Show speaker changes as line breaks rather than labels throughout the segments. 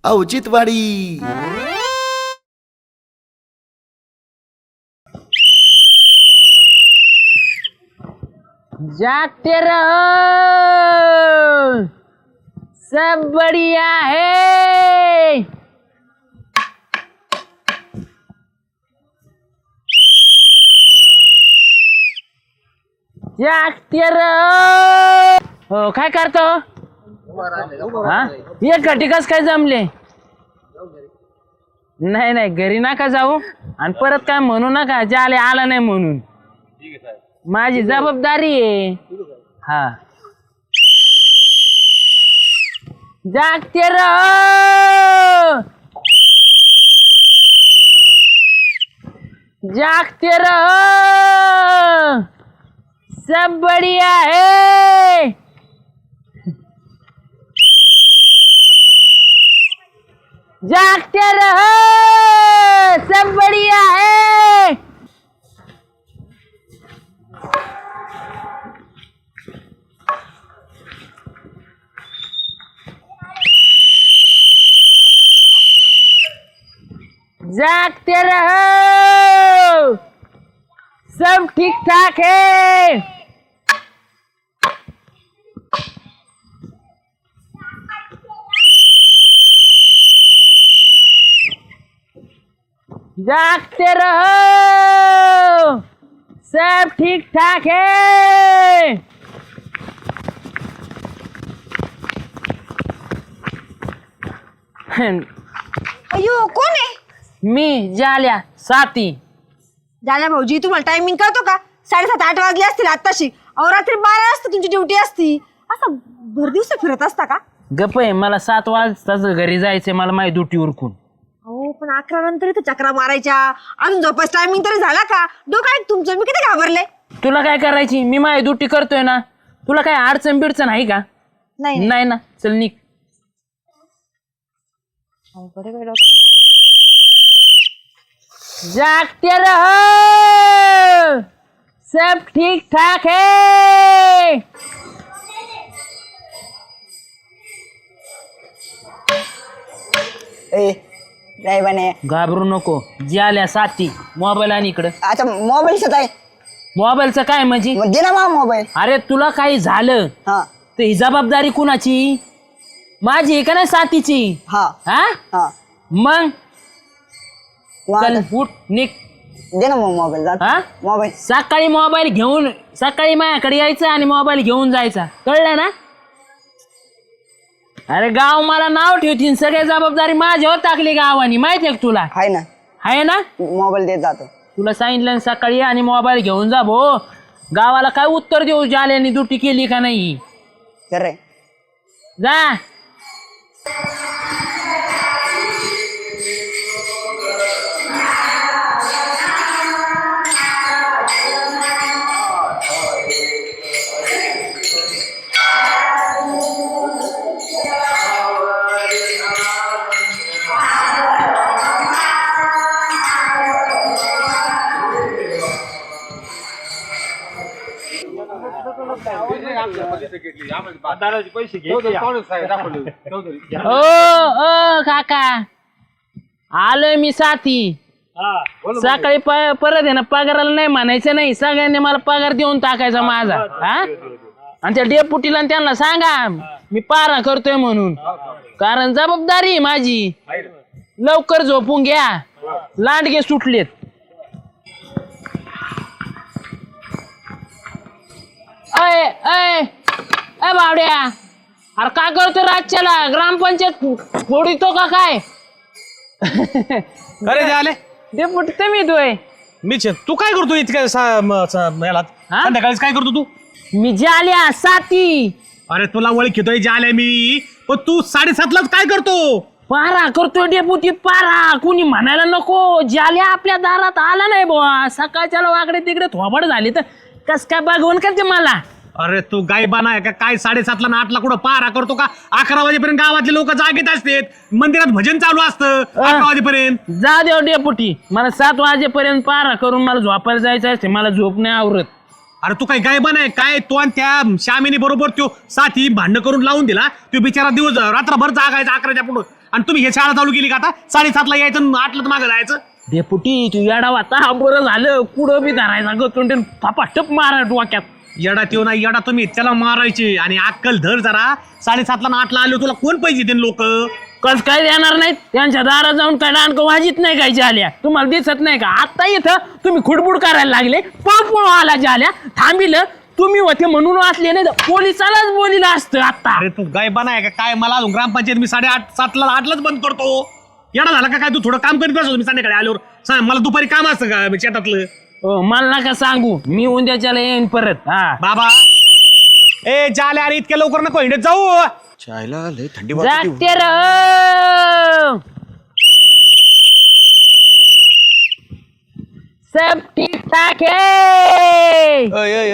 औचित्यवाडी.
जागते रहो, सब बढ़िया है. जागते रहो. हो काय करतो? हा ये कटिकस काय जमले? नाही नाही घरी नका जाऊ आणि परत काय म्हणू नका जाले आला नाही म्हणून. माझी जबाबदारी आहे. हा जागते रहो, जागते रहो, सब बढ़िया है. जागते रहो, सब बढ़िया है. जागते रहो, सब ठीक ठाक है. जागते रहो, सब ठीक ठाक है.
अयो कोण आहे?
मी जाल्या साथी.
जाल्या भाऊजी तुम्हाला टायमिंग कळतो का? 7:30-8 वाजले असतील आत्ताशी. अहो रात्री 12 वाजता तुमची ड्युटी असती. असं भर दिवस फिरत असता का?
गप्प आहे, मला 7 वाजताच घरी जायचंय. मला माझी ड्युटी उरकून.
हो पण 11 नंतर इथं चक्रा मारायच्या. अजून झोपायचं टायमिंग तरी झाला का? डोकं आहे तुमचं. मी किती घाबरले.
तुला काय करायची? मी माझी ड्युटी करतोय ना. तुला काय अडचण बिडचण आहे का?
नाही
नाही ना. चल निघ. जागते रहो, सब ठीक ठाक है.
ए काय बने
घाबरू नको. जाल्या साथी. मोबाईल आणि इकडं.
अच्छा मोबाईलच आहे.
मोबाईलचं काय म्हणजे?
मग दे ना मग मोबाईल.
अरे तुला काही झालं
हा
तर ही जबाबदारी कुणाची? माझी आहे का नाही साथीची?
हा
हा
हा
मग
मग
चल
आता
उठ निघ.
दे ना मग मोबाईल. जा
हा
मोबाईल.
सकाळी मोबाईल घेऊन सकाळी माझ्याकडे यायचं आणि मोबाईल घेऊन जायचा. कळलं ना? अरे गाव मला नाव ठेवतील. सगळी जबाबदारी माझ्यावर टाकली गावानी. माहितीये का तुला?
आहे ना
आहे ना?
मोबाईल देत जातो.
तुला सांगितलं सकाळी आणि मोबाईल घेऊन जा भो. गावाला काय उत्तर देऊ जाल्याने ड्युटी केली का नाही?
खरंय.
जा. ओ काका आलोय मी साथी. सकाळी परत आहे ना पगाराला नाही म्हणायचं नाही. सगळ्यांनी मला पगार देऊन टाकायचा माझा. हा आणि त्या डेपुटीला त्यांना सांगा मी पारा करतोय म्हणून. कारण जबाबदारी आहे माझी. लवकर झोपून घ्या. लांडगे सुटलेत. अय अय अय बावड्या, अरे काय करतो रातच्याला? ग्रामपंचायत फोडितो का काय?
अरे झाले
डेपुटी तुम्ही दोय.
मीच तू काय करतो इतक्या संध्याकाळीच काय करतो तू?
मी जाल्या साथी.
अरे तुला ओळखीतोय जाले मी. पण तू 7:30लाच काय करतो?
पारा करतोय डेपुटी. पारा कुणी म्हणायला नको. जाल्या आपल्या दारात आला नाही बुवा. सकाळच्याला वाकडे तिकडे थोबड झाली तर कस काय बघवून का ते मला?
अरे तू गायबाना आहे का काय? 7:30ला ना 8ला कुठं पारा करतो का? 11 वाजेपर्यंत गावातले लोक जागेत असतात. मंदिरात भजन चालू असतं 11 वाजेपर्यंत.
जा देव डेपुटी. मला 7 वाजेपर्यंत पारा करून मला झोपायला जायचं असते. मला झोप नाही आवरत.
अरे तू काय गायबाना आहे काय? तो आणि त्या श्यामीने बरोबर तो साथी भांडण करून लावून दिला. तो बिचारा दिवस रात्रभर जागायचा 11च्या पुढं आणि तुम्ही हे शाळा चालू केली का आता 7:30ला यायचं आणि 8ला तर मागं जायचं.
डेपुटी तू येडा वाता बरं झालं कुठं बी धरायचा गतुंडे फापाटप मारा डोक्यात.
येडा त्यो नाही येडा तुम्ही त्याला मारायचे आणि अक्कल धर जरा 7:30ला आणि 8ला आलो तुला कोण पैसे देईन लोक.
कस काय देणार नाहीत त्यांच्या दारात जाऊन काय डाणकं वाजित नाही काय झाल्या तुम्हाला दिसत नाही का आता इथं तुम्ही खुडबुड करायला लागले पळ आला झाल्या थांबिलं तुम्ही होते म्हणून वाचले नाही तर पोलिसालाच बोलिलं असतं आता.
अरे तू गायबाना आहे का काय मला अजून ग्रामपंचायत मी 7:30ला 8लाच बंद करतो. येडा झाला का काय तू थोडं काम करीत बसतो मी संध्याकाळी आल्यावर सांग मला दुपारी काम असतं का शेतातलं.
हो मला नका सांगू मी उद्याच्याला येईन परत. हा
बाबा ए जाले अरे इतक्या लवकर नको हिंडत जाऊ.
चायला लय थंडी
जागते रहो सब ठीक ठाक है.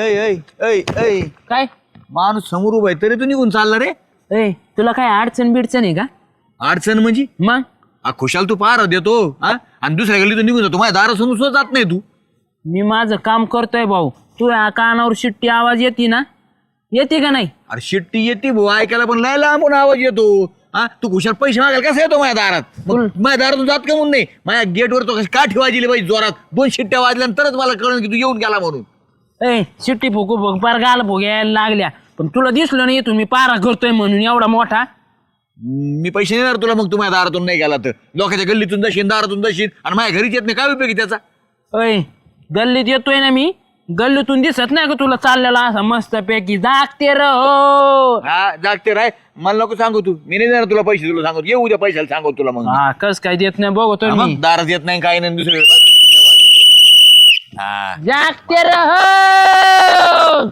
काय
माणूस समोर उभा आहे तरी तू निघून चालला रे.
ए तुला काय अडचण बिडचण आहे का
अडचण म्हणजे
मग
खुशाल तू पार देतो हा आणि दुसऱ्या गल्ली तू निघून जातो माझ्या दारासमोर सुद्धा जात नाही तू.
मी माझं काम करतोय भाऊ तू या कानावर शिट्टी आवाज येते ना येते का नाही.
अरे शिट्टी येते भाऊ ऐकायला पण लय लांबून आवाज येतो. हा तू खुशाल पैसे मागायला कसा येतो माझ्या दारात. मग माझ्या दारातून जात का म्हणून नाही माझ्या गेटवर तो काठी वाजली पाहिजे जोरात 2 शिट्ट्या वाजल्यानंतरच मला कळलं की तू येऊन गेला म्हणून.
ए शिट्टी फुकू फुक पार गाल भोग्यायला लागल्या पण तुला दिसलं नाही तुम्ही पारा करतोय म्हणून एवढा मोठा.
मी पैसे देणार तुला मग तू माझ्या दारातून नाही गेला तर लोकांच्या गल्लीतून जाशील दारातून जाशील आणि माझ्या घरीच येत नाही काय उपयोगी त्याचा.
अय गल्लीत येतोय ना मी गल्लीतून दिसत नाही का तुला चाललेला असा मस्त पैकी जागते रहो.
हा जागते राय मला नको सांगू तू मी नाही देणार तुला पैसे तुला सांगतो ये उद्या पैशाला सांगतो तुला मग.
हा कस काय देत नाही बघतोय
हा,
मी
मग दारात येत नाही काय नाही दुसरीकडे बघ कशी शिट्ट्या वाजवतोय. हा
जागते रहो.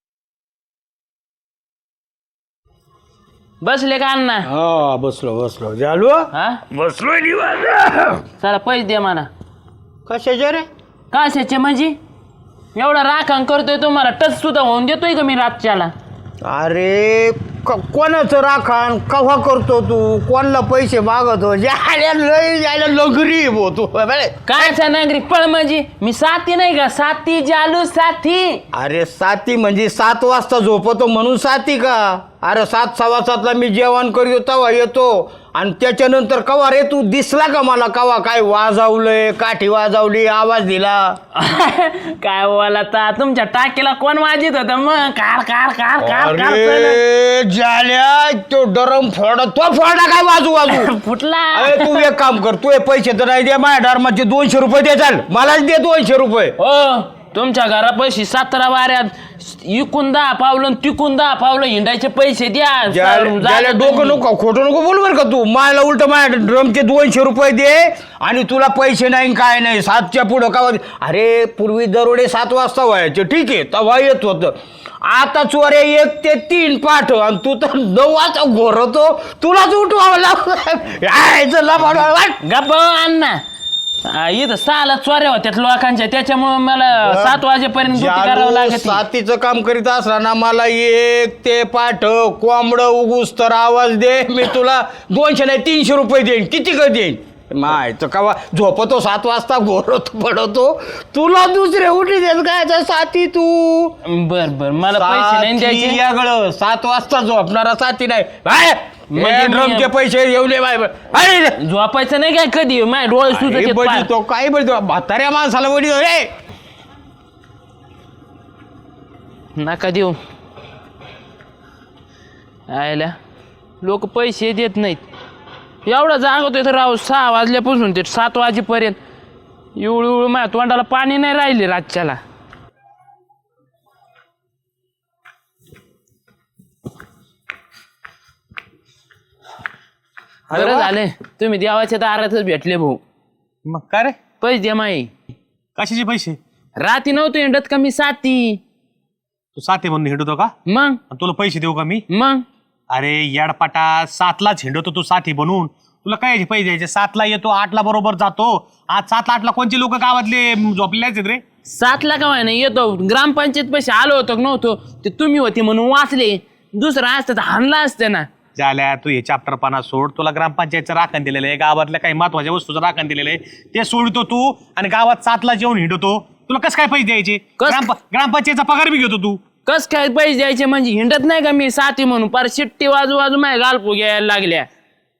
बसले का अण्णा.
हा बसलो झालो
हा
बसलोय निवांत.
चला पैसे दे मला.
कशाचे रे?
कशाचे म्हणजे एवढा राखण करतोय तुम्हाला टच सुद्धा होऊन देतोय का मी रातच्याला.
अरे कोणाचं राखण कव्हा करतो तू कोणाला पैसे मागतो जायला लगरी हो तू
कायचा नागरिक पळ म्हणजे मी साथी नाही का साथी जालू साथी.
अरे साती म्हणजे 7 वाजता झोपतो म्हणून साती का. अरे 7:15ला मी जेवण करतो तेव्हा येतो आणि त्याच्यानंतर कवा रे तू दिसला का मला कवा काय वाजवलंय काठी वाजवली आवाज दिला.
काय बोला ता तुमच्या टाकीला कोण वाजित होत मग car car car car car
अरे झाल्या तो डरम तो फोडा काय वाजू
फुटला.
अरे तू एक काम कर तू हे पैसे तर नाही दे माझ्या धर्माचे 200 रुपये दे चाल मलाच दे 200 रुपये.
हो तुमच्या घरापाशी 17 वाऱ्यात इकून 10 पावलं तिकून 10 पावलं हिंडायचे पैसे द्या.
ज्याला डोकं नको खोटं नको बोल बर का तू मला उलट माझ्या ड्रमचे 200 रुपये दे आणि तुला पैसे नाही काय नाही 7च्या पुढं का. अरे पूर्वी दरोडे 7 वाजता व्हायचे ठीक आहे तेव्हा येत होतं. आता चोऱ्या 1 ते 3 पाठ आणि तू तर 9 वाजता घोरतो तुलाच उठवावं लागलं.
गप्प अण्णा इथं 6ला चोऱ्या होत्यात लोकांच्या त्याच्यामुळे मला 7 वाजेपर्यंत ड्युटी करावं लागत.
साथीचं काम करीत असला ना मला 1 ते पाठ कोंबड उगूस तर आवाज दे मी तुला 200 नाही 300 रुपये देईन किती का देईन. मायचं कवा झोपतो 7 वाजता घोरतो पडतो तुला दुसरे उठी देत काय साथी तू.
बर बर मला पैसे नाही द्यायचे.
वेगळं 7 वाजता झोपणारा साथी नाही
म्हणजे
ड्रमचे पैसे येऊ दे बाय
झोपायचं नाही काय कधी माझ्या डोळे सुचत
तो काय बोलतो म्हाताऱ्या माणसाला बोली रे
नका देऊ. आयला लोक पैसे देत नाहीत एवढा जागवतोय तर राव 6 वाजल्यापासून ते 7 वाजेपर्यंत इवळू माझ्या तोंडाला पाणी नाही राहिले रातच्याला. बरं झाले तुम्ही देवाच्या दारातच भेटले भाऊ.
मग काय रे
पैसे द्या माई.
कशाचे पैसे.
राती नव्हतो हिंडत का मी साथी.
तू साथी म्हणून हिंडतो का
मग
आणि तुला पैसे देऊ का मी.
मग
अरे याडपाटा 7लाच हिंडतो तू साथी बनून तुला काय पैसे द्यायचे. 7ला येतो 8ला बरोबर जातो. आज 7ला 8ला कोणते लोक गावातले झोपलेले आहेत रे.
7ला का व्हाय नाही येतो ग्रामपंचायत पैसे आलो होतो का नव्हतो ते तुम्ही होते म्हणून वाचले दुसरं असतं तर हाणला असतं ना.
झाल्या तू हे चॅप्टरपणा सोड. तुला ग्रामपंचायतचं राखण दिलेलं आहे गावातल्या काही महत्वाच्या वस्तूचं राखण दिलेलं आहे ते सोडतो तू आणि गावात 7ला जेवून हिंडतो. तुला कसं काय पैसे द्यायचे. ग्रामपंचायतचा पगार बी घेतो तू.
कस काय पैसे द्यायचे म्हणजे हिंडत नाही का मी साथी म्हणून पार शिट्टी वाजू वाजू माझ्या गालपू घ्यायला लागल्या.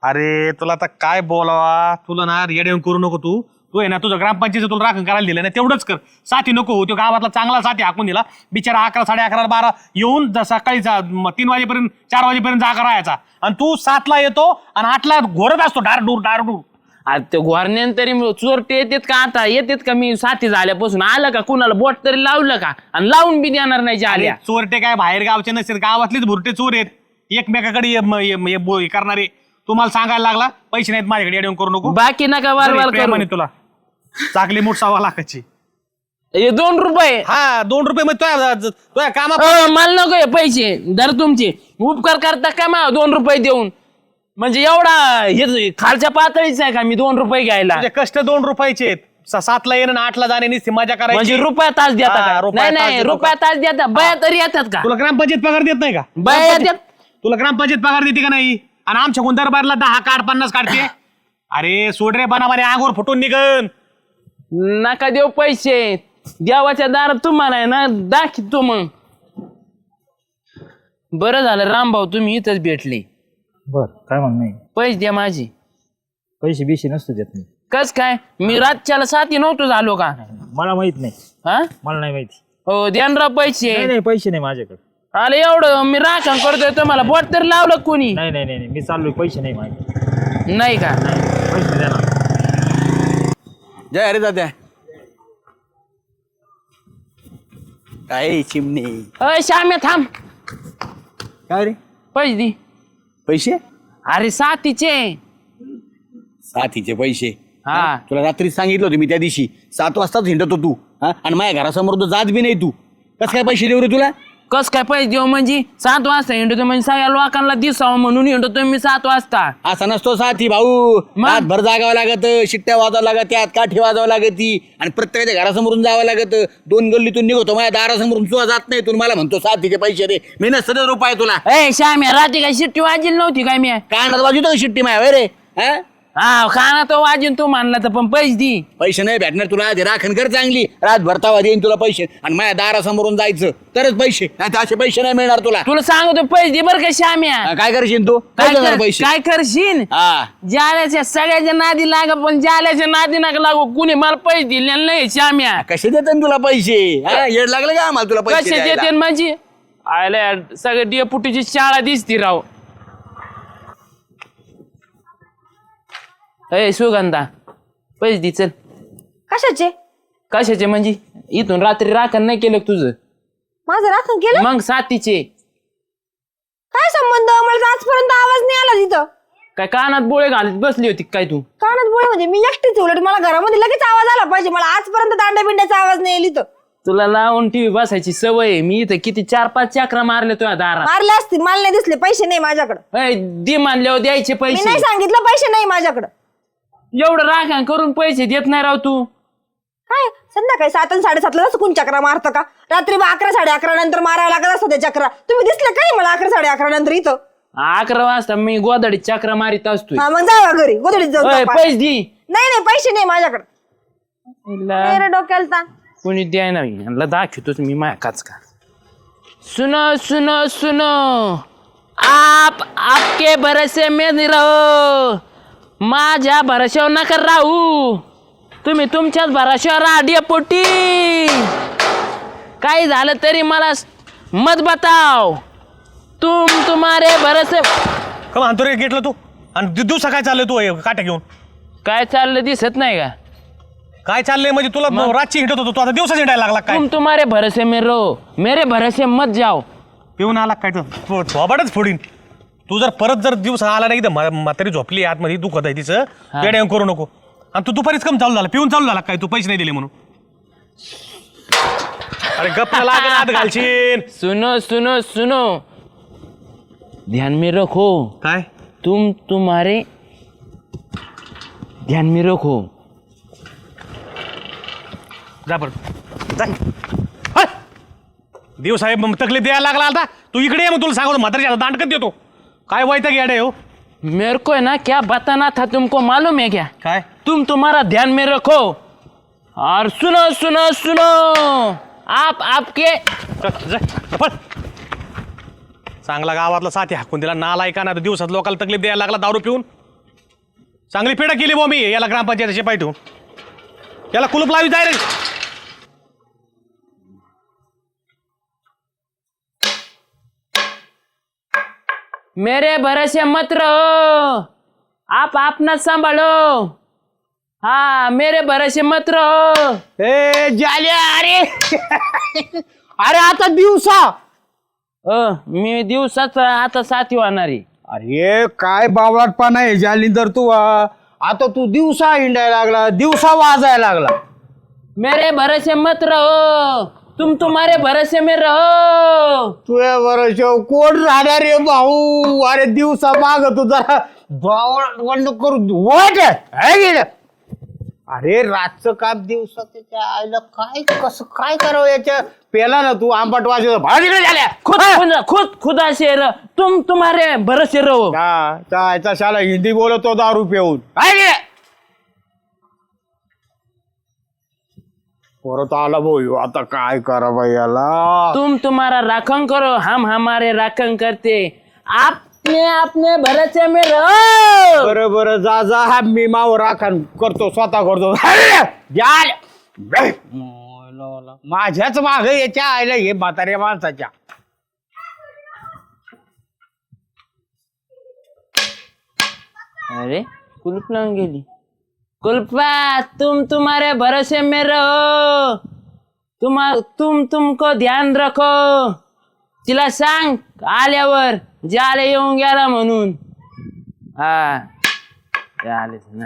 अरे तुला आता काय बोलावा, तुला ना येऊन करू नको तू आहे ना, तुझं ग्रामपंचायत तुला राखण करायला दिलं ना, तेवढंच कर. साथी नको, तो गावातला चांगला साथी हाकून दिला बिचारा. 11, 11:30, 12 येऊन सकाळी 3 वाजेपर्यंत 4 वाजेपर्यंत जागा राहायचा, आणि तू 7ला येतो आणि 8ला घोरत असतो डारडूर डारडूर.
आता ते घोरण्यान तरी चोरटे येतात का? आता येतात का? मी साथी झाल्यापासून आलं का? कुणाला बोट तरी लावलं का? आणि लावून बी देणार नाही आल्या.
चोरटे काय बाहेर गावचे नसतील, गावातलेच भुरटे चोर आहेत, एकमेकाकडे करणारे. तुम्हाला सांगायला लागला पैसे नाहीत माझ्याकडे, येऊन करू नको.
बाकी नका वारवार करू.
तुला चाकली मूठ 1.25 लाखाची.
हे 2 रुपये.
हा 2 रुपये मग तुझ्या कामा
मला नको हे पैसे. दर तुमचे उपकार करता का मला 2 रुपये देऊन? म्हणजे एवढा हे खालच्या पातळीच आहे का मी 2 रुपये घ्यायला?
तुझे कष्ट 2 रुपयाचे आहेत. 7ला येणं 8ला जाणे निस्ती मजा करायची.
म्हणजे रुपया तास देता
हा,
का?
रुपया
नाही
तास
नाही,
देतो
रुपया तास देता. बया तरी येतात का?
तुला ग्रामपंचायत पगार देत नाही का?
बया येतात.
तुला ग्रामपंचायत पगार देते का नाही? आणि आमच्या दरबारला 10 काढ 50 काढते. अरे सोड रे, बनामाने आगोर फुटून निघन.
नका देऊ पैसे. देवाच्या दारात तुम्हाला आहे ना दाखवतो मग. बरं झालं रामभाऊ तुम्ही इथंच भेटले.
बर काय म्हणणं आहे?
पैसे द्या माझे.
पैसे बिशे नसतो देत नाही.
कस काय? मी रातच्याला साथी नव्हतो झालो का?
मला माहित नाही.
हा
मला नाही माहिती.
हो ध्यानराव पैसे.
नाही नाही पैसे नाही माझ्याकडे.
आले एवढं मी राखण करतोय तुम्हाला बोट तर लावलं कोणी?
नाही नाही नाही नाही, मी चाललोय. पैसे नाही माझे.
नाही का?
पैसे द्या ना.
जय अरे दादा. काय चिमणी
अय श्याम्या थांब.
काय रे?
पैसे दे.
पैसे?
अरे साथीचे.
साथीचे पैसे?
हा
तुला रात्री सांगितलं होतं मी त्या दिवशी 7 वाजताच हिंडतो तू, हा? आणि माझ्या घरासमोर तर जात बी नाही तू. कसं काय पैसे देऊ रे तुला?
कस काय पैसे देऊ म्हणजे? 7 वाजता हिंडतो म्हणजे सगळ्या लोकांना दिसावं म्हणून हिंडतो मी 7 वाजता.
असा नसतो साथी भाऊ. भर जागावं लागत, शिट्ट्या वाजावं लागत, त्यात काठी वाजावं लागत ती, आणि प्रत्येकाच्या घरासमोरून जावं लागत. 2 गल्लीतून निघतो, माझ्या दारासमोरून तुला जात नाही. तू मला म्हणतो साथीचे पैसे दे. मी नसतं रुपये तुला.
ए श्याम्या रात्री काय शिट्टी वाजली नव्हती काय मी?
कानात वाजवतो का शिट्टी माया रे? हा
हा खाना तो वाजून तू मानला तर पण पैसे दे.
पैसे नाही भेटणार तुला. ते राखण कर चांगली, रात भरतावा देईन तुला पैसे, आणि माझ्या दारासमोरून जायचं तरच पैसे, नाही तर असे पैसे नाही मिळणार तुला.
तुला सांगतो पैसे दे बरं का श्याम्या.
काय करशील तू? काय करणार पैसे?
काय करशील?
हा
जाल्याच्या सगळ्याच्या नादी लाग, पण जाल्याच्या नादी नका लागू. कुणी मला पैसे दिले नाही श्याम्या.
कसे देतात तुला पैसे? हा येड लागलं का आम्हाला तुला पैसे
कसे
द्यायला?
देते म्हणजे? आयला सगळे डेपुटीची शाळा दिसती राव. ए सुगंधा पैसे दे चल.
कशाचे?
कशाचे म्हणजे? इथून रात्री राखण नाही केलं का तुझं?
माझं राखण केलं?
मग साथीचे
काय संबंध? मला तर आजपर्यंत आवाज नाही आला तिथं.
काय कानात बोळे घालत बसली होती काय तू?
कानात बोळे म्हणजे मी एकटीच, उलट मला घरामध्ये लगेच आवाज आला पाहिजे. मला आजपर्यंत दांड्या बिंड्याचा आवाज नाही येईल इथं.
तुला लावून टीव्ही बसायची सवय आहे. मी इथं किती 4-5 चक्रा मारले तुझ्या दारात.
मारले असतील, मला नाही दिसले. पैसे नाही माझ्याकडे.
ए, दे मानल्यावर द्यायचे
मी
पैसे.
नाही सांगितलं पैसे नाही माझ्याकडे.
एवढं राखण करून पैसे देत नाही राव तू.
काय संध्याकाळी 7 आणि 7:30 ला कोण चक्रा मारतं का? रात्री 11, 11:30 नंतर मारायला लागत असतं ते चक्रा. तुम्ही दिसले काय मला 11, 11:30 नंतर इथं?
11 वाजता मी गोदडीत चक्रा मारित असतोय.
हा मग जावा घरी, गोधडीत जाऊ.
ओय, पैसे दे.
नाही पैसे नाही माझ्याकडे.
हिला
डोक्याला ताण.
कोणी द्याय नाही. यांना दाखवतोच मी माया काच का. सुनो सुनो सुनो, आप आपके भरोसे में नहीं रहो. माझ्या भरोश्यावर नका राहू. तुम्ही तुमच्याच भरोश्यावर राहा डेपुटी. काही झालं तरी मला मत बताव. तुम्हारे भरोसे.
का म्हणतो रे गेटला तू? आणि दिवसा काय चाललंय तू काट्या घेऊन?
काय चाललं दिसत नाही का?
काय चाललंय म्हणजे? तुला रातची हिंडत होतो तू, आता दिवसा हिंडायला लागला काय?
तुम्हारे भरोसे में रहो, मेरे भरोसे मत जाओ.
पिऊन आला काय? झोपाटच फोडीन. तू जर परत जर दिवस आला नाही तर म्हातारी झोपली आतमध्ये, दुखत आहे तिचं, येड्या करू नको. आणि तू दुपारीच कम चालू झाला? पिऊन चालू झाला काय? तू पैसे नाही दिले म्हणून? अरे गप्पा लागेल, आत घालशील.
सुनो सुनो सुनो, ध्यान में रखो.
काय?
तुम्हारे ध्यान में रखो.
जा बरं देव साहेब तकलीफ द्यायला लागला आता. तू इकडे ये, मग तुला सांगतो म्हातारीच्या दांडकत देतो. काय वाईट गेडे हो?
मेरे को है ना क्या बताना था तुमको, मालूम है क्या?
काय?
तुम्हारा ध्यान में रखो और सुनो सुनो सुनो, आप आपके.
चांगला गावातला साथी हाकून दिला नालायका ना. दिवसात लोकांना तकलीफ द्यायला लागला दारू पिऊन. चांगली पेढा केली बो मी याला ग्रामपंचायतीचे पाय ठेवून. याला कुलूप लावी जाय रे.
मेरे भरोसे मत रहो, आप अपना संभालो. हाँ मेरे भरोसे मत रहो.
ए जाल्या अरे अरे आता दिवसा.
मी दिवसाच आता साथी होणार आहे.
अरे काय बावळटपणा आहे जालिंदर तू आता तू दिवसा हिंडायला लागला, दिवसा वाजायला लागला.
मेरे भरोसे मत रहो, तुम तुम्हारे भरोसे में रहो.
तुझ्या बरोबर कोण राहणार रे भाऊ. अरे दिवसा माग तू जरा बावळ करू वाट आहे. अरे रातचं काम दिवसा त्याच्या आईला काय कसं काय करावं याच्या पेला ना तू आंबट वाजव भाडीकडे झाल्या.
खुदा से रहो, तुम तुम्हारे भरोसे रहो.
याचा शाला हिंदी बोलतो दारू पिऊन. परत आला भाऊ आता काय करा बाई याला.
तुम तुम्हारा राखण करो, हम हमारे राखण करते. आपने अपने भरोसे में रहो.
बरं बरं जा जा हा मी माव राखण करतो स्वतः करतो. माझ्याच माग याच्या आईला हे म्हाताऱ्या माणसाच्या.
अरे कुलूप लावून गेली. कुलपा तुम तुम्हारे भरोसे में रहो, तुमको ध्यान रखो. तिला सांग आल्यावर जाले येऊन गेला म्हणून. हा आले ना.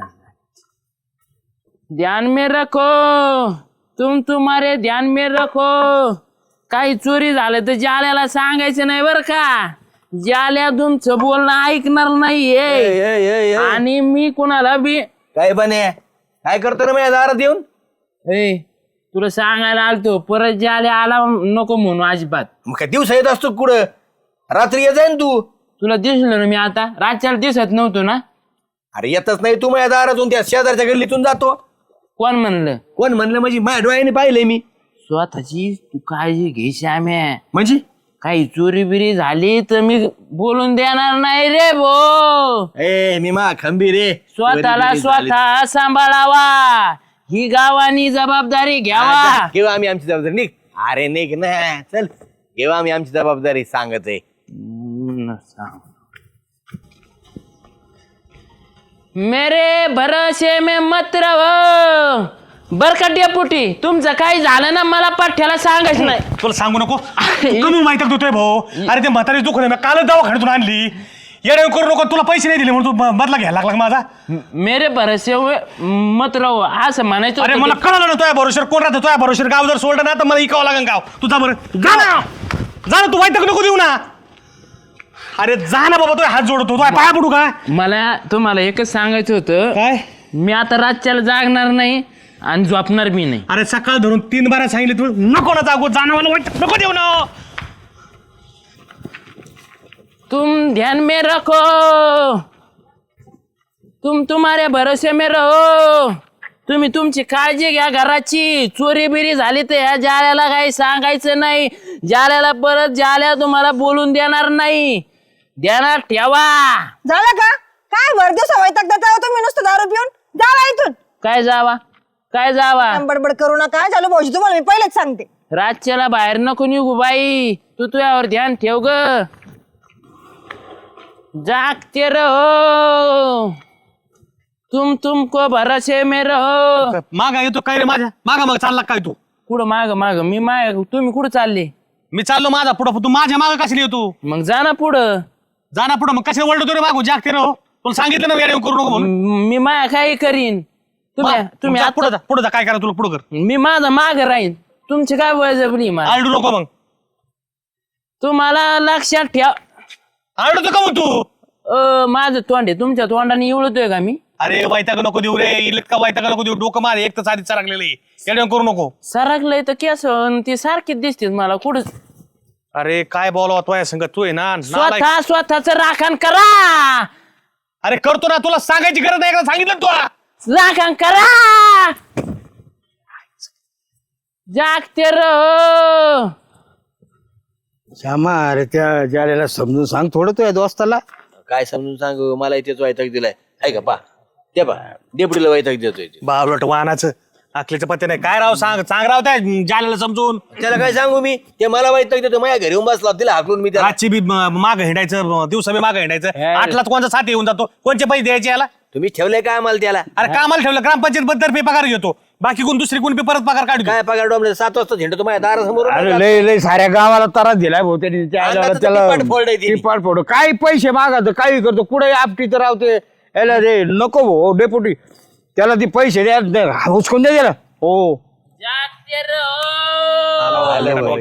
ध्यान में रखो, तुम तुम्हारे ध्यान में रखो. काही चोरी झालं तर जाल्याला सांगायचं नाही बरं का. जाल्या तुमचं बोलणं ऐकणार नाहीये. आणि मी कुणाला बी
काय बने काय करतो ना माझ्या दारात येऊन.
ए तुला सांगायला आलतो परत जाल्या आला नको म्हणून अजिबात.
मग काय दिवसा येत असतो कुठं. रात्री येत जाईन तू.
तुला दिसलो ना मी आता. रातच्याला दिसत नव्हतो ना.
अरे येतच नाही तू माझ्या दारातून त्या शेजारच्या गल्लीतून जातो.
कोण म्हणलं.
कोण म्हणलं म्हणजे माझ्या डोळ्याने पाहिलंय मी.
स्वतःची तू काळजी घे श्याम्या.
म्हणजे
काही चोरी बिरी झाली तर मी बोलून देणार नाही रे भो.
ए मी मा खंबीर रे.
स्वतःला स्वतः सांभाळावा, ही गावानी जबाबदारी घ्यावा.
घेऊ आम्ही आमची जबाबदारी. निघ अरे निघ ना चल. घेऊ आम्ही आमची जबाबदारी सांगत आहे.
मेरे भरोसे में मत रहो. बर का डेपुटी तुमचं काही झालं ना मला पाठ्याला सांगायचं नाही.
तुला सांगू नको. कमी माहिती देतोय भाऊ. अरे ते म्हातारी दुखणे मी कालच दवाखान्यातून आणली. येडे करू नको. तुला पैसे नाही दिले म्हणून तू बदला घ्यायला लागला माझा.
मेरे भरोसे मत रहो असं म्हणायचं.
अरे मला कळलं ना तुझ्या भरोश्यावर कोण राहतं. तुझ्या भरोश्यावर गाव जर सोडलं ना तर मला इकावं लागेल गाव. तुझा बरं जा ना. जा ना तू वाईट नको देऊ ना. अरे जा ना बाबा. तो हात जोडतो. तो पाया पडू का.
मला तुम्हाला एकच सांगायचं होतं.
काय
मी आता रातच्याला जागणार नाही आणि झोपणार बी नाही.
अरे सकाळ धरून 3 बारा सांगितले तू नको ना जागो. जाणं मला वाईट नको देऊ ना.
तुम ध्यान में रखो, तुम तुम्हारे भरोसे में रहो. तुम्ही तुमची काळजी घ्या घराची. चोरी बिरी झाली तर ह्या जाल्याला काही सांगायचं नाही. जाल्याला परत जाल्या तुम्हाला बोलून देणार नाही. ध्यानात ठेवा.
झालं का काय भर दिवसा वैताग देता तुम्ही नुसतं दारू पिऊन. जावा इथून.
काय जावा काय जावा.
बडबड करू नका. झालं भाऊजी तुम्हाला मी पहिलेच सांगते.
रातच्याला बाहेर नको निघू बाई. तू तुझ्यावर ध्यान ठेव ग. जागते रहो, तुमको भरोसे में रहो.
मागा येतो काय रे माझ्या मागा. मग चालला काय तू.
कुठं माग माग मी माग. तुम्ही कुठं चालले.
मी चाललो माझा पुढं. तू माझ्या मागं कशाला येतो.
मग जा ना पुढं.
जा ना पुढं. मग कशाला वळतो रे मागू. जागते राहो. तुला सांगितलं ना येडे करू नको म्हणून.
मी माया काही करीन. तुम्ही
पुढे जा. पुढे जा. काय करा तुला पुढं कर.
मी माझा माग राहीन. तुमची काय बळजबरी मला.
आरडू नको मग.
तुम्हाला लक्षात ठेव.
आरडू का मग तू.
माझं तोंड आहे तुमच्या तोंडाने इवळतोय का मी.
अरे वैताग नको देऊ रे. इतका वैताग नको देऊ. डोकं मार. एक तर साधीच सरकलेलं आहे. येडे करू नको.
सरकलंय तर केस ती सारखीच दिसते मला कुठं.
अरे काय बोलावं तुझ्या संग. तू आहे ना नालायक.
स्वतःच राखण करा.
अरे करतो ना. तुला सांगायची गरज नाही. एकदा सांगितलं तुला.
राखण करा. जागते रहो.
श्यामा अरे त्या जाल्याला समजून सांग थोडं तुझ्या दोस्ताला.
काय समजून सांगू. मला इथेच वैताग दिलाय. आहे का पा ते बा डेपुटीला वैताग देतोय ते.
बावलट वाहनाचं अकलीचं पत्ते नाही काय राव सांग राव त्या जाल्याला समजून
त्याला काय सांगू मी ते मला वैताग देतो माझ्या घरी येऊन बसला तिला हाकलून मी त्याला
रातची बी माग हिंडायचं दिवसा बी माग हिंडायचं 8लाच कोणता साथ येऊन जातो कोणचे पैसे द्यायचे याला
तुम्ही ठेवलंय काय आम्हाला त्याला
अरे कामाला ठेवलं ग्रामपंचायत बद्दल पगार घेतो बाकी कोण दुसरी कोण परत पगार काढतो
काय पगार डोंबले 7 वाजता झेंडतो माझ्या दारासमोर
अरे लय लय साऱ्या गावाला त्रास दिलाय भाऊ त्यांनी
अंगाचं
त्याला
टिपाट फोडलंय त्यांनी.
टिपाट फोड काही पैसे मागत काही करतो कुठे आपटी तर राहते याला रे नको भाऊ डेपुटी त्याला ते पैसे द्या हुसकून द्या त्याला हो
जागते रहो.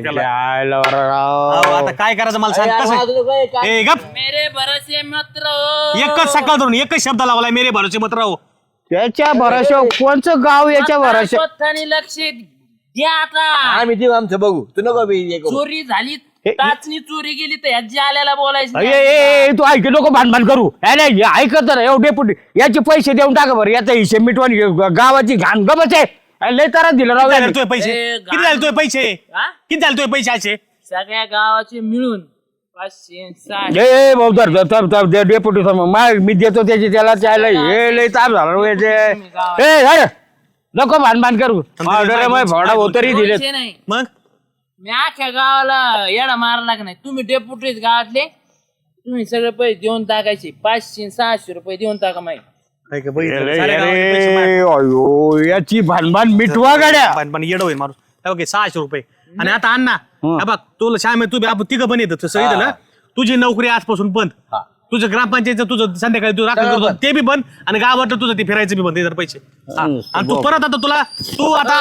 अहो, आता काय करायचं मला सांग कसं ए गप
मेरे भरोसे मत रहो.
एकच सकाळ धरून एकच शब्द लावलाय मेरे भरोसे मत राहू
त्याच्या भरोशा कोणचं गाव याच्या भरोशा
स्वतःनी लक्ष द्या आता.
आम्ही देऊ आमचं बघू तू नको बी हे करू.
चोरी झाली टाचणी चोरी गेली तर ह्या जाल्याला बोलायचं
ए,
नाही.
ए, ए, तू ऐक नको भांडण करू ऐकत तर डेपुटी याचे पैसे देऊन टाका बरं याचा हिशेब मिटवून गावाची घाण गमच आहे लय त्रास दिला राव
किती झाले
यांनी.
तुझे पैसे
ए,
किती झाले तुझे पैसे
हा?
किती झाले तुझे पैसे असे
सगळ्या गावाचे मिळून 560.
ए भाऊ तर डेपुटी मी देतो त्याची त्याला त्याला हे लय ताप झाला रे याचे. ए अरे नको भांडण करू फोडा तरी दिले
दोनशे नाही
मग
मी अख्ख्या गावाला येडा मारला का नाही तुम्ही डेपुटीच गावातले तुम्ही सगळे पैसे देऊन टाकायचे 500-600 रुपये देऊन टाका माहिती
काय का बघितलं? साऱ्या गावाला पैसे मार-
अयो याची भानभान मिटवा गाड्या
पण येडं होईल माणूस ओके 600 रुपये आणि आता अण्णा हे बघ तुला श्याम तू आपण तिघं पण येतं सही ना तुझी नोकरी आजपासून बंद तुझं ग्रामपंचायतचं तुझं संध्याकाळी तू राखण करतो ते बी बंद आणि गावात तुझं ते फिरायचं बी बंद ते जर पैसे हा. आणि तू परत आता तुला तू आता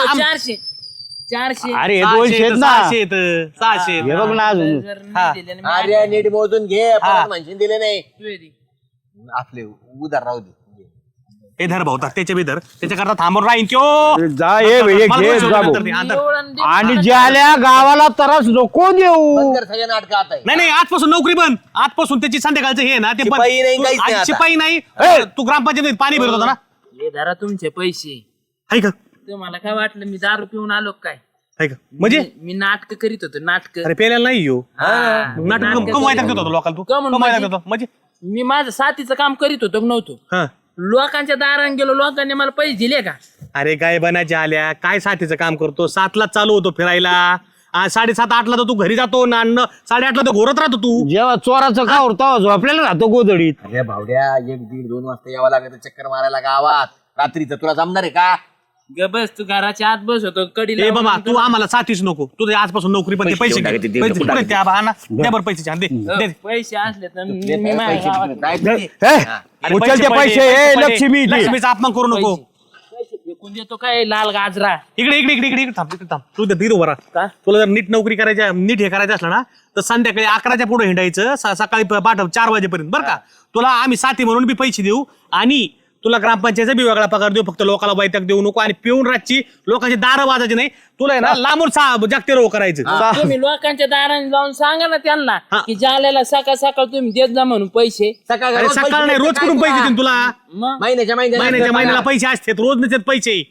400
अरे हे 200 आहेत ना
600 येतं 600
हे बघ ना अजून
जर नाही दिले ना,
अरे नीट मोजून घे परत म्हणशील दिले नाही
तू ये दे.
आपले उधार राहू दे
हे धर भाऊ त्याच्या बी धर त्याच्याकरता थांबून राहीन त्यो
जा हे घे जा भाऊ.
एवढं दे.
आणि ज्याल्या गावाला त्रास नको देऊ
बंद कर सगळ्या नाटक आता आहे.
नाही आजपासून नोकरी बंद आजपासून त्याची संध्याकाळचं हे ना ते बंद.
शिपाई नाही,
तू-
काहीच नाही
आज
आता.
शिपाई नाही तू ग्रामपंचायतीत पाणी भरत होता ना
हे धरा तुमचे पैसे
हाय का
तुम्हाला काय वाटलं मी दारू पिऊन आलो का काय
हाय का म्हणजे
मी नाटक करीत होतो नाटक
अरे पेल्याला नाही येऊ नाटक कमायला देतो होतो लोकांना तू
कमवून
कमायला
म्हणजे?
देतो म्हणजे
मी माझं साथीचं काम करीत होतो का नव्हतो
हा
लोकांच्या दारात गेलो लोकांनी मला पैसे दिले का
अरे गायबानाच्या आल्या काय साथीचं काम करतो 7ला चालू होतो फिरायला 7:30-8ला तर तू घरी जातो ना 8:30ला तर घोरत राहतो तू
जेव्हा चोराचं का होता झोपलेला राहतो गोदडीत
अरे भावड्या 1-1:30-2 वाजता यावं लागत चक्कर मारायला गावात रात्रीचं तुला जमणार आहे का
ग बस तू घराच्या आत बस होतो कडी
ए बाबा तू आम्हाला साथीच नको तुझे आजपासून नोकरी पण ते पैसे घे. पैसे कुठे त्या बहाना दे बरं पैसे छान दे दे.
पैसे असले तर मी माझ्या गावात
काय ते?
हे,
अरे
उचल ते पैसे
पैसे
ए लक्ष्मी ते.
लक्ष्मीचा अपमान करू नको
पैसे फेकून देतो काय लाल गाजरा
इकडे थांब तू धीर उभा राहा.
का?
तुला जर नीट नोकरी करायची नीट हे करायचं असलं ना तर संध्याकाळी 11च्या पुढे हिंडायचं सकाळी 4 वाजेपर्यंत बरं का तुला आम्ही साथी म्हणून बी पैसे देऊ आणि तुला ग्रामपंचायतचा बी वेगळा पगार देऊ फक्त लोकांना वैताग देऊ नको आणि पिऊन रातची लोकांची दारं वाजायची नाही तुला आहे ना लांबून जागते रो करायचं
तुम्ही लोकांच्या दाराने जाऊन सांगा ना त्यांना
हा.
की जाल्याला सकाळ सकाळ तुम्ही देत जा म्हणून पैसे
सकाळ
अरे
रोज पैसे
सकाळ नाही
द्यायचे
रोज
काय
कुठून पैसे
तुला?
देईन तुला
मग
महिन्याच्या
महिन्याला पैसे असतात रोज नसतात पैसे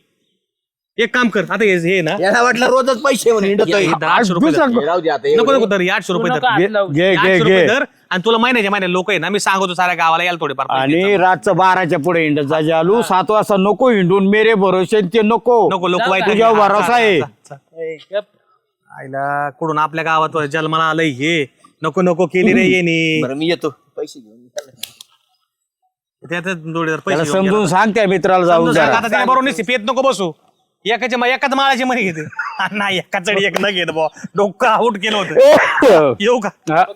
एक काम कर आता हे ना
याला वाटलं रोजच पैसे म्हणून हिंडतोय.
हे 800 रुपये धर.
हे राहू दे आता
नको
एवढे.
नको धर 800 रुपये
नका
धर
हात लावू.
घे
800
घे
रुपये
घे
धर आणि तुला महिन्याच्या महिन्या लोक आहे ना मी सांगतो साऱ्या गावाला यायला थोडेफार पैसे
आणि
द्यायचं.
रातचं 12च्या पुढे हिंडत जा जालू 7 वाजता नको हिंडून मेरे भरोसे ते नको
नको लोक
जाऊ
वाईट
का?
तुझ्यावर भरोसा आहे
ए, गप.
आईला कुठून आपल्या गावात जन्माला आलंय हे नको नको केली रे येणे
बरं मी येतो पैसे घेऊन
त्यात जोडीदार
त्याला
पैसे घेऊन
समजून
गेला.
सांग त्या मित्राला जाऊन
समजून सांग,
जरा.
आता त्याने बरोबर नाही पेत नको बसू एकाच माळाची मनी घेते नाही एका चढी एक न घेत बुवा डोकं आउट केलं होतं येऊ का
हा.